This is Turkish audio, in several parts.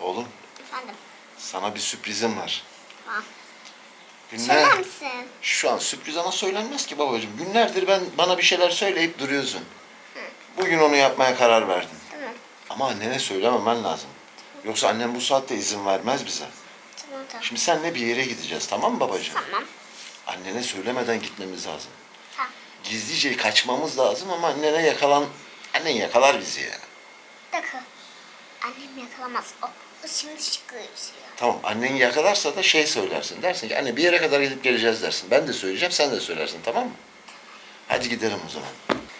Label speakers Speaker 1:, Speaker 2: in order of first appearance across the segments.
Speaker 1: Oğlum,
Speaker 2: Efendim.
Speaker 1: sana bir sürprizim var.
Speaker 2: Tamam.
Speaker 1: Günler...
Speaker 2: Söyler misin?
Speaker 1: Şu an sürpriz ama söylenmez ki babacığım. Günlerdir bana bir şeyler söyleyip duruyorsun. Bugün onu yapmaya karar verdin.
Speaker 2: Tamam.
Speaker 1: Ama annene söylememen lazım. Yoksa annem bu saatte izin vermez bize.
Speaker 2: Tamam tamam.
Speaker 1: Şimdi seninle bir yere gideceğiz, tamam mı babacığım?
Speaker 2: Tamam.
Speaker 1: Annene söylemeden gitmemiz lazım.
Speaker 2: Tamam.
Speaker 1: Gizlice kaçmamız lazım ama annen yakalar bizi ya.
Speaker 2: Bir dakika. Annem yakalamaz. O şimdi çıkıyor.
Speaker 1: Tamam, annen yakalarsa da söylersin. Dersin ki anne bir yere kadar gidip geleceğiz dersin. Ben de söyleyeceğim, sen de söylersin, tamam mı? Hadi gidelim o zaman.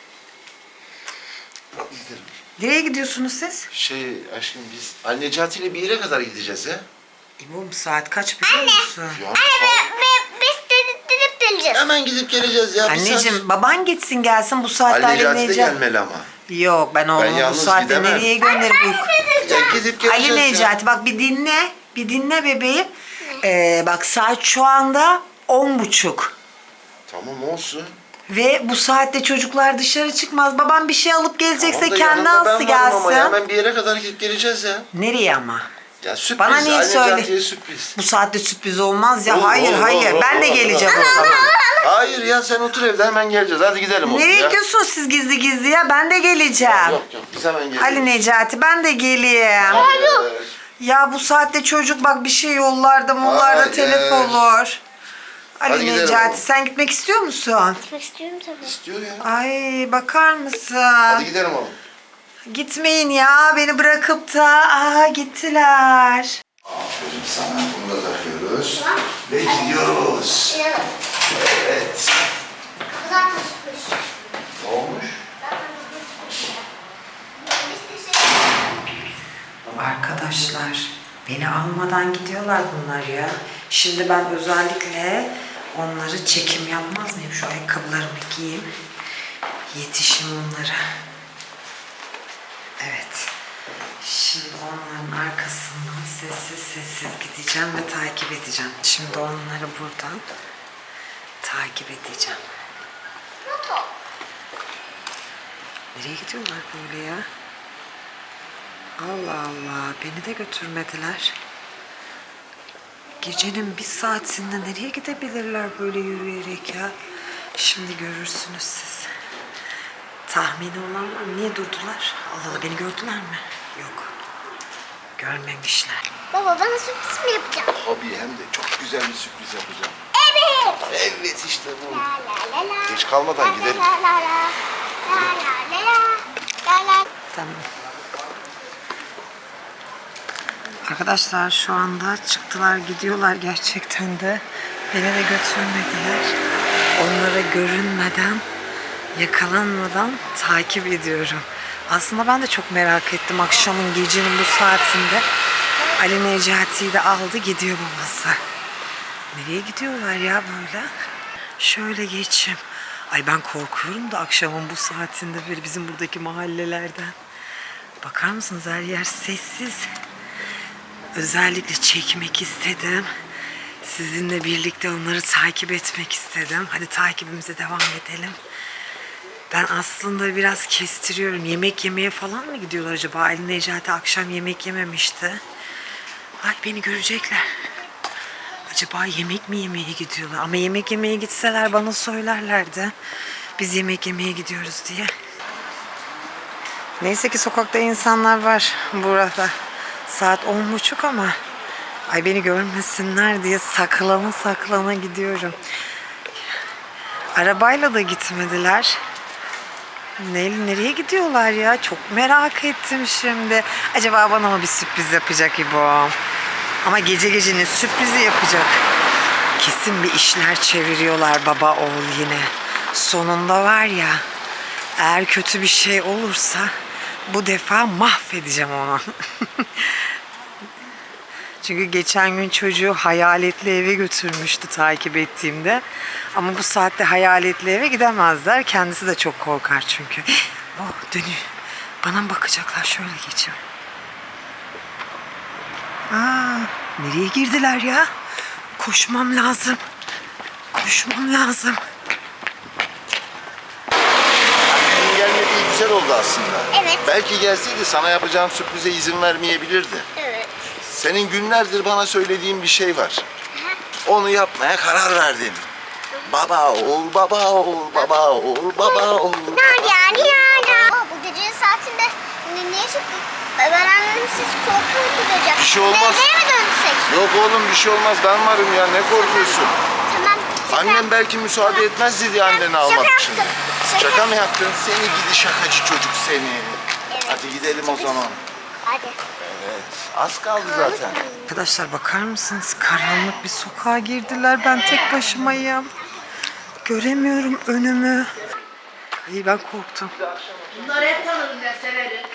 Speaker 1: Hadi gidelim.
Speaker 3: Nereye gidiyorsunuz siz?
Speaker 1: Aşkım biz Necati ile bir yere kadar gideceğiz ya.
Speaker 3: İbo saat kaç biliyor musun?
Speaker 1: Ya
Speaker 2: Biz dedip geleceğiz.
Speaker 1: hemen gidip geleceğiz ya.
Speaker 3: Anneciğim baban gitsin gelsin bu saatte
Speaker 1: Ali Necati de
Speaker 3: Necati.
Speaker 1: gelmeli ama.
Speaker 3: Yok ben oğlumu bu
Speaker 1: yalnız
Speaker 3: saatte
Speaker 1: gidemem.
Speaker 3: nereye gönderip
Speaker 1: Ya gidip geleceğiz
Speaker 3: Ali
Speaker 1: ya.
Speaker 3: Necati bak bir dinle. Bir dinle bebeğim. Bak saat şu anda 10:30.
Speaker 1: Tamam olsun.
Speaker 3: Ve bu saatte çocuklar dışarı çıkmaz. Babam bir şey alıp gelecekse
Speaker 1: Tamam da
Speaker 3: kendi
Speaker 1: yanında
Speaker 3: alsın
Speaker 1: ben varım ama ya.
Speaker 3: gelsin.
Speaker 1: Hemen bir yere kadar gidip geleceğiz ya.
Speaker 3: Nereye ama?
Speaker 1: Ya sürpriz.
Speaker 3: Bana niye
Speaker 1: Ali
Speaker 3: söyle?
Speaker 1: Necati'ye sürpriz.
Speaker 3: Bu saatte sürpriz olmaz ya.
Speaker 1: Olur,
Speaker 3: Hayır
Speaker 1: olur,
Speaker 3: hayır.
Speaker 1: olur,
Speaker 3: Ben de
Speaker 1: olur,
Speaker 3: geleceğim
Speaker 1: olur.
Speaker 3: o zaman.
Speaker 1: Hayır ya sen otur evde hemen geleceğiz. Hadi gidelim oğlum
Speaker 3: Nereye
Speaker 1: ya.
Speaker 3: gidiyorsunuz siz gizli gizli ya? Ben de geleceğim.
Speaker 1: Yok biz hemen geliyoruz.
Speaker 3: Ali Necati ben de geleyim.
Speaker 1: Hayır.
Speaker 3: Ya bu saatte çocuk bak bir şey yollarda mollarda
Speaker 1: Hayır.
Speaker 3: telef olur.
Speaker 1: Hadi
Speaker 3: Ali
Speaker 1: gidelim
Speaker 3: Necati
Speaker 1: oğlum.
Speaker 3: sen gitmek istiyor musun?
Speaker 2: Gitmek istiyorum tabii.
Speaker 1: İstiyor ya.
Speaker 3: Ay bakar mısın?
Speaker 1: Hadi gidelim oğlum.
Speaker 3: Gitmeyin ya beni bırakıp da gittiler.
Speaker 1: Aferin sana. Bunu da takıyoruz. Ve gidiyoruz. Evet.
Speaker 2: Kızar taşımış.
Speaker 1: Ne olmuş?
Speaker 3: Arkadaşlar beni almadan gidiyorlar bunlar ya. Şimdi ben özellikle onları çekim yapmaz mıyım? Şu ayakkabılarımı giyeyim. Yetişim onlara. Evet. Şimdi onların arkasından sessiz sessiz gideceğim ve takip edeceğim. Şimdi onları buradan takip edeceğim. Nereye gidiyorlar böyle ya? Allah Allah, beni de götürmediler. Gecenin bir saatinde nereye gidebilirler böyle yürüyerek ya? Şimdi görürsünüz siz. Tahmini olan var mı? Niye durdular? Allah Allah, beni gördüler mi? Yok. Görmemişler.
Speaker 2: Baba bana sürpriz mi yapacaksın?
Speaker 1: Tabii hem de çok güzel bir sürpriz yapacağım.
Speaker 2: Evet.
Speaker 1: Evet işte bu.
Speaker 2: La la la la.
Speaker 1: Geç kalmadan gidelim.
Speaker 2: La la la. La la la la. La la.
Speaker 3: Tamam. Arkadaşlar şu anda çıktılar gidiyorlar gerçekten de. Beni de götürmediler. Onlara görünmeden, yakalanmadan takip ediyorum. Aslında ben de çok merak ettim akşamın gecenin bu saatinde. Ali Necati'yi de aldı gidiyor babası. Nereye gidiyorlar ya böyle? Şöyle geçeyim. Ay ben korkuyorum da akşamın bu saatinde böyle bizim buradaki mahallelerden. Bakar mısınız her yer sessiz. Özellikle çekmek istedim. Sizinle birlikte onları takip etmek istedim. Hadi takibimize devam edelim. Ben aslında biraz kestiriyorum. Yemek yemeye falan mı gidiyorlar acaba? Ali Necati akşam yemek yememişti. Ay beni görecekler. Acaba yemek mi yemeye gidiyorlar? Ama yemek yemeye gitseler bana söylerlerdi. Biz yemek yemeye gidiyoruz diye. Neyse ki sokakta insanlar var burada. Saat 10:30 ama ay beni görmesinler diye saklana gidiyorum. Arabayla da gitmediler. Nereye gidiyorlar ya? Çok merak ettim şimdi. Acaba bana mı bir sürpriz yapacak İbo? Ama gece gecenin sürprizi yapacak. Kesin bir işler çeviriyorlar baba oğul yine. Sonunda var ya, eğer kötü bir şey olursa bu defa mahvedeceğim onu. Çünkü geçen gün çocuğu hayaletli eve götürmüştü takip ettiğimde. Ama bu saatte hayaletli eve gidemezler. Kendisi de çok korkar çünkü. Oh dönüyor. Bana mı bakacaklar? Şöyle geçeyim. Nereye girdiler ya? Koşmam lazım. Koşmam lazım.
Speaker 1: Annenin gelmediği güzel oldu aslında.
Speaker 2: Evet.
Speaker 1: Belki gelseydi sana yapacağım sürprize izin vermeyebilirdi.
Speaker 2: Evet.
Speaker 1: Senin günlerdir bana söylediğin bir şey var. Onu yapmaya karar verdim. Baba ol, baba ol, baba ol, baba ol.
Speaker 2: Bu gecenin saatinde niye çıktık? Ben annem siz korkuyor.
Speaker 1: Bir şey olmaz.
Speaker 2: Nereye mi dönsek?
Speaker 1: Yok oğlum bir şey olmaz, ben varım ya, ne korkuyorsun?
Speaker 2: Tamam.
Speaker 1: Annem belki müsaade etmez diye anneni almak
Speaker 2: Şaka
Speaker 1: için.
Speaker 2: yaptım.
Speaker 1: Şaka mı yaptın? Seni gidi şakacı çocuk seni.
Speaker 2: Evet.
Speaker 1: Hadi gidelim o zaman.
Speaker 2: Hadi.
Speaker 1: Evet, az kaldı zaten.
Speaker 3: Arkadaşlar bakar mısınız? Karanlık bir sokağa girdiler. Ben tek başımayım. Göremiyorum önümü. Ay ben korktum.
Speaker 4: Bunları hep tanıdım ben severim.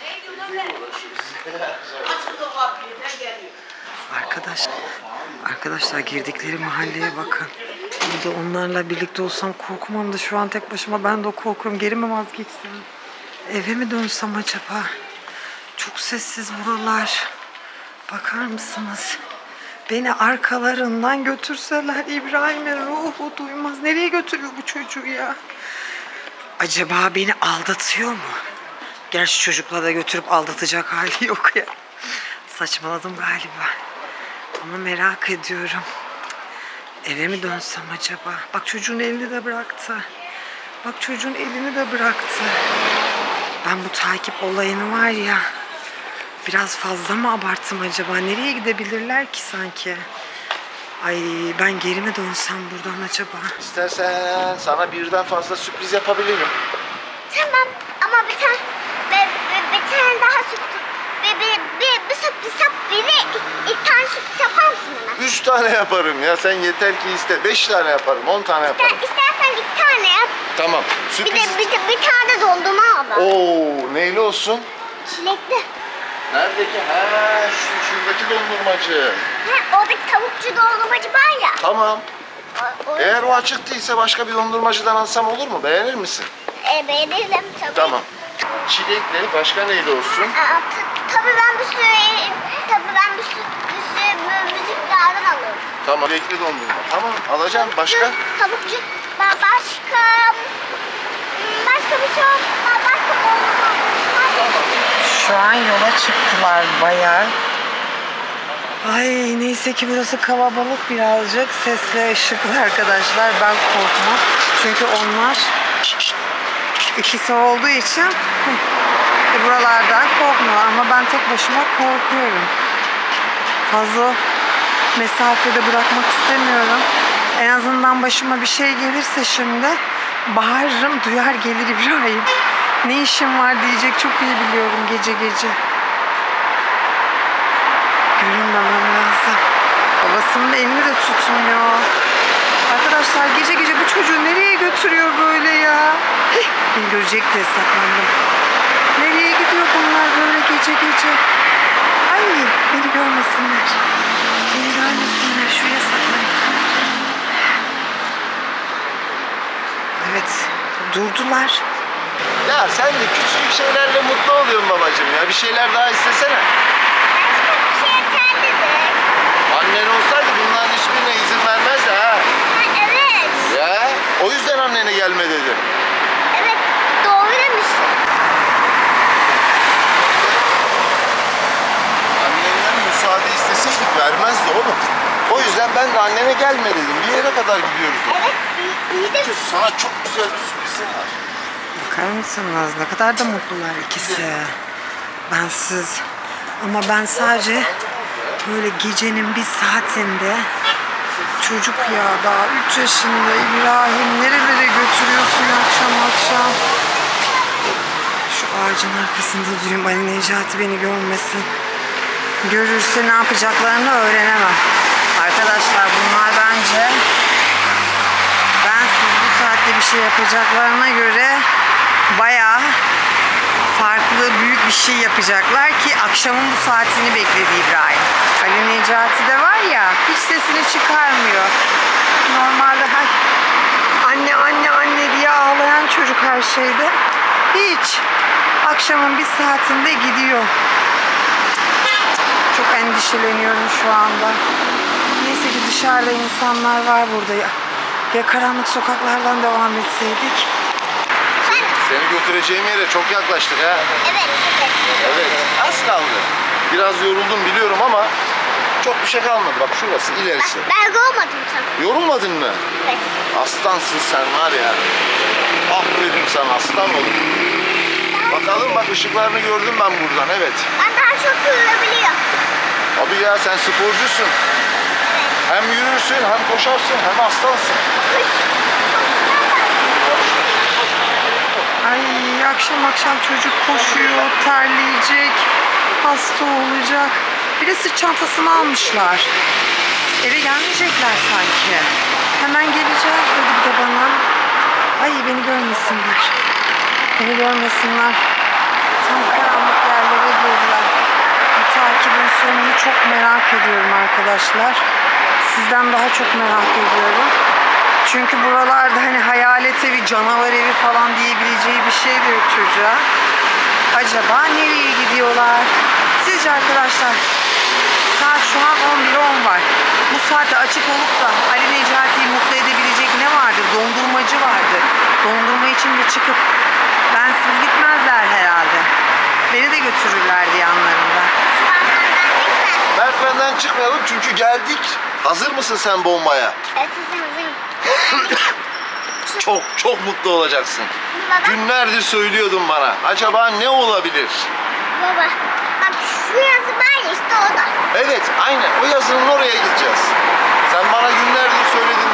Speaker 4: Açık o kapıyı ben geliyorum.
Speaker 3: Arkadaşlar girdikleri mahalleye bakın. Bir de onlarla birlikte olsam korkmam da şu an tek başıma ben de korkuyorum. Geri mi vazgeçsem? Eve mi dönsem acaba? Çok sessiz buralar. Bakar mısınız? Beni arkalarından götürseler İbrahim'in ruhu duymaz. Nereye götürüyor bu çocuğu ya? Acaba beni aldatıyor mu? Gerçi çocukla da götürüp aldatacak hali yok ya. Saçmaladım galiba. Ama merak ediyorum. Eve mi dönsem acaba? Bak çocuğun elini de bıraktı. Bak çocuğun elini de bıraktı. Ben bu takip olayını var ya, biraz fazla mı abarttım acaba? Nereye gidebilirler ki sanki? Ay ben geri mi dönsem buradan acaba?
Speaker 1: İstersen sana birden fazla sürpriz yapabilirim.
Speaker 2: Tamam ama bir tane daha sürpriz. Bir sürpriz yap. İlk tane sürpriz yapar mısın bana?
Speaker 1: 3 tane yaparım ya, sen yeter ki iste. 5 tane yaparım, 10 tane yaparım.
Speaker 2: İstersen bir tane yap.
Speaker 1: Tamam,
Speaker 2: Bir
Speaker 1: sürpriz.
Speaker 2: de bir tane dondurma al.
Speaker 1: Oo, neyli olsun?
Speaker 2: Çilekli.
Speaker 1: Neredeki? Ha, şuradaki dondurmacı.
Speaker 2: Oradaki tavukçu dondurmacı var ya.
Speaker 1: Tamam.
Speaker 2: O,
Speaker 1: Eğer o açık değilse başka bir dondurmacıdan alsam olur mu? Beğenir misin?
Speaker 2: beğenirim tabii.
Speaker 1: Tamam. Çilekli, başka neyli olsun?
Speaker 2: Tabii ben bir sürü müziklerden alırım.
Speaker 1: Tamam. Çilekli dondurma. Tamam, alacağım. Başka?
Speaker 2: Tavukçu. Başka bir şey yok. Başka dondurma.
Speaker 3: Şu an yola çıktılar bayağı. Ay neyse ki burası kalabalık birazcık. Sesli ışıklı arkadaşlar. Ben korkmam. Çünkü onlar ikisi olduğu için buralardan korkmuyor. Ama ben tek başıma korkuyorum. Fazla mesafede bırakmak istemiyorum. En azından başıma bir şey gelirse şimdi bağırırım, duyar gelir İbrahim. Ne işim var diyecek, çok iyi biliyorum gece gece. Görünmemem lazım. Babasının elini de tutmuyor. Arkadaşlar gece gece bu çocuğu nereye götürüyor böyle ya? Beni görecek diye saklandım. Nereye gidiyor bunlar böyle gece gece? Ay beni görmesinler. Beni görmesinler. Şuraya saklanayım. Evet durdular.
Speaker 1: Ya sen de küçücük şeylerle mutlu oluyorsun babacığım ya. Bir şeyler daha istesene.
Speaker 2: Başka bir şey yeterlidir.
Speaker 1: Annen olsaydı bunların hiçbirine izin vermezdi ha.
Speaker 2: Evet.
Speaker 1: Ya o yüzden annene gelme dedim.
Speaker 2: Evet. Doğru demişsin.
Speaker 1: Annenden müsaade isteseydik vermezdi oğlum. O yüzden ben de annene gelme dedim. Bir yere kadar gidiyoruz dedim.
Speaker 2: Evet. İyi de
Speaker 1: Sana çok güzel bir sürprizim var.
Speaker 3: Bakar mısınız? Ne kadar da mutlular ikisi. Bensiz. Ama ben sadece böyle gecenin bir saatinde çocuk ya daha 3 yaşında İbrahim nerelere götürüyorsun akşam akşam? Şu ağacın arkasında durayım Ali Necati beni görmesin. Görürse ne yapacaklarını öğrenemem. Arkadaşlar bunlar bence bensiz bu saatte bir şey yapacaklarına göre bayağı farklı büyük bir şey yapacaklar ki akşamın bu saatini bekledi İbrahim. Ali Necati de var ya hiç sesini çıkarmıyor. Normalde anne anne anne diye ağlayan çocuk her şeyde. Hiç. Akşamın bir saatinde gidiyor. Çok endişeleniyorum şu anda. Neyse ki dışarıda insanlar var burada ya. Ya karanlık sokaklardan devam etseydik.
Speaker 1: Seni götüreceğim yere çok yaklaştık ha.
Speaker 2: evet.
Speaker 1: Evet, az kaldı. Biraz yoruldum biliyorum ama çok bir şey kalmadı. Bak şurası ilerisi.
Speaker 2: Ben olmadım sen.
Speaker 1: Yorulmadın mı?
Speaker 2: Evet.
Speaker 1: Aslansın sen var ya. Aferin sana aslan oğlum. Bakalım bak ışıklarını gördüm ben buradan evet.
Speaker 2: Ben daha çok yürüyebiliyorum.
Speaker 1: Abi ya sen sporcusun. Hem yürürsün hem koşarsın hem aslansın.
Speaker 3: Ay akşam akşam çocuk koşuyor, terleyecek, hasta olacak. Bir de sırt çantasını almışlar. Eve gelmeyecekler sanki. Hemen geleceğiz dedi bir de bana. Ay beni görmesinler. Beni görmesinler. Tam karanlık yerlere girdiler. Bu takibin sonunu çok merak ediyorum arkadaşlar. Sizden daha çok merak ediyorum. Çünkü buralarda hani hayalet evi, canavar evi falan diyebileceği bir şey de yok çocuğa. Acaba nereye gidiyorlar? Sizce arkadaşlar? Saat şu an 11:10 var. Bu saatte açık olup da Ali Necati'yi mutlu edebilecek ne vardır? Dondurmacı vardır. Dondurma için de çıkıp bensiz gitmezler herhalde. Beni de götürürlerdi yanlarında.
Speaker 1: Merdivenden çıkmayalım çünkü geldik. Hazır mısın sen bombaya?
Speaker 2: Evet hazırım.
Speaker 1: Çok mutlu olacaksın.
Speaker 2: Baba.
Speaker 1: Günlerdir söylüyordun bana. Acaba ne olabilir?
Speaker 2: Baba. Bak şu yazı var ya işte o da.
Speaker 1: Evet, aynen. O yazının oraya gideceğiz. Sen bana günlerdir söyledin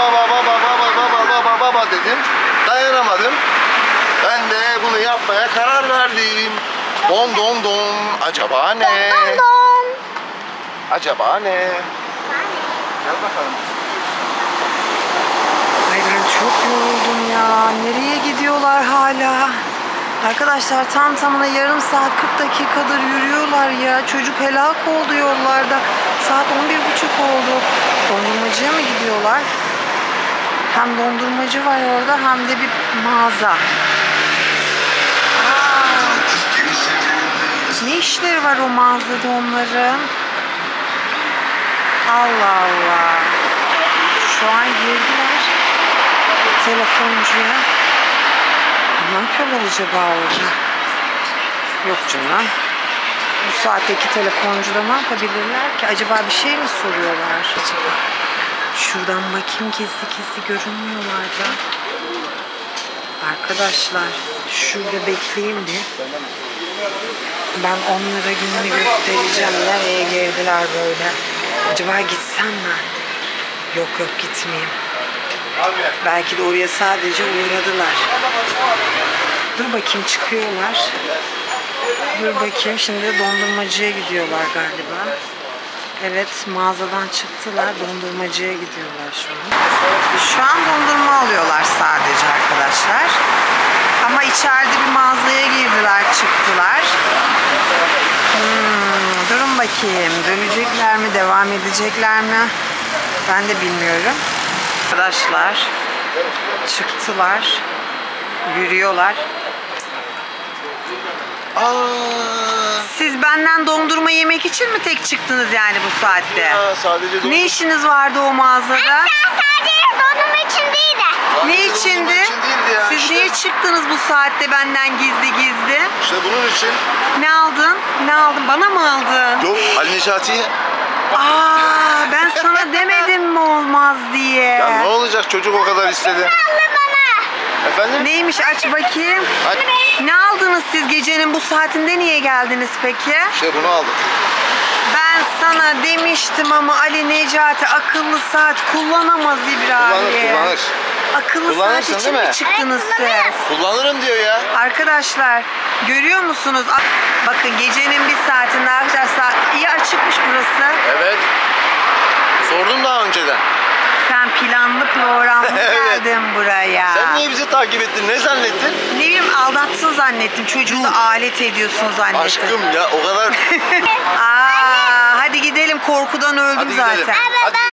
Speaker 1: baba dedin. Dayanamadım. Ben de bunu yapmaya karar verdim. Don don don. Acaba ne?
Speaker 2: Don don.
Speaker 1: Acaba ne? Gel bakalım.
Speaker 3: Ay ben çok yoruldum ya. Nereye gidiyorlar hala? Arkadaşlar tam tamına yarım saat 40 dakikadır yürüyorlar ya. Çocuk helak oldu yollarda. Saat 11:30 oldu. Dondurmacıya mı gidiyorlar? Hem dondurmacı var orada hem de bir mağaza. Aa, ne işleri var o mağazada onların? Allah Allah. Şu an girdiler telefoncuya. Ne yapıyorlar acaba orada? Yok canım. Bu saatteki telefoncuda ne yapabilirler ki? Acaba bir şey mi soruyorlar acaba? Şuradan bakayım gizli görünmüyorlar da. Arkadaşlar şurada bekleyeyim bir. Ben onlara gününü göstereceğim. Nereye girdiler böyle? Acaba gitsem mi? Yok gitmeyeyim. Belki de oraya sadece uğradılar. Dur bakayım çıkıyorlar. Dur bakayım şimdi dondurmacıya gidiyorlar galiba. Evet mağazadan çıktılar dondurmacıya gidiyorlar şu an. Şu an dondurma alıyorlar sadece arkadaşlar. Ama içeride bir mağazaya girdiler çıktılar. Durun bakayım dönecekler mi devam edecekler mi? Ben de bilmiyorum. Arkadaşlar çıktılar, yürüyorlar. Siz benden dondurma yemek için mi tek çıktınız yani bu saatte?
Speaker 1: Ya, sadece dondurma.
Speaker 3: Ne işiniz vardı o mağazada?
Speaker 2: Ben sadece dondurma için değil de.
Speaker 3: Ne
Speaker 1: Sadece
Speaker 3: içindi?
Speaker 1: dondurma için değildi ya,
Speaker 3: Siz
Speaker 1: işte.
Speaker 3: niye çıktınız bu saatte benden gizli?
Speaker 1: İşte bunun için.
Speaker 3: Ne aldın? Ne aldın? Bana mı aldın?
Speaker 1: Yok Ali Necati'ye.
Speaker 3: Aa, ben sana demedim mi olmaz diye.
Speaker 1: Ya ne olacak çocuk o kadar istedi.
Speaker 2: Aldı bana.
Speaker 1: Efendim?
Speaker 3: Neymiş aç bakayım.
Speaker 1: Hadi.
Speaker 3: Ne aldınız siz gecenin bu saatinde niye geldiniz peki?
Speaker 1: İşte bunu aldım.
Speaker 3: Ben sana demiştim ama Ali Necati akıllı saat kullanamaz İbrahim.
Speaker 1: Kullanır.
Speaker 3: Akıllı
Speaker 1: Kullanırsın,
Speaker 3: saat için
Speaker 1: değil
Speaker 3: mi
Speaker 1: mi?
Speaker 3: çıktınız
Speaker 2: Evet,
Speaker 3: siz?
Speaker 2: kullanırız.
Speaker 1: Kullanırım diyor ya.
Speaker 3: Arkadaşlar görüyor musunuz? Bakın gecenin bir saatinde arkadaşlar iyi açıkmış burası.
Speaker 1: Evet. Sordum daha önceden.
Speaker 3: Sen planlı programlı
Speaker 1: Evet.
Speaker 3: geldin buraya.
Speaker 1: Sen niye bizi takip ettin? Ne zannettin?
Speaker 3: Ne bileyim aldatsın zannettim. Çocuğu da alet ediyorsun zannettim.
Speaker 1: Aşkım ya o kadar.
Speaker 3: Aa, hadi gidelim korkudan öldüm
Speaker 1: Hadi gidelim.
Speaker 3: zaten.
Speaker 1: Hadi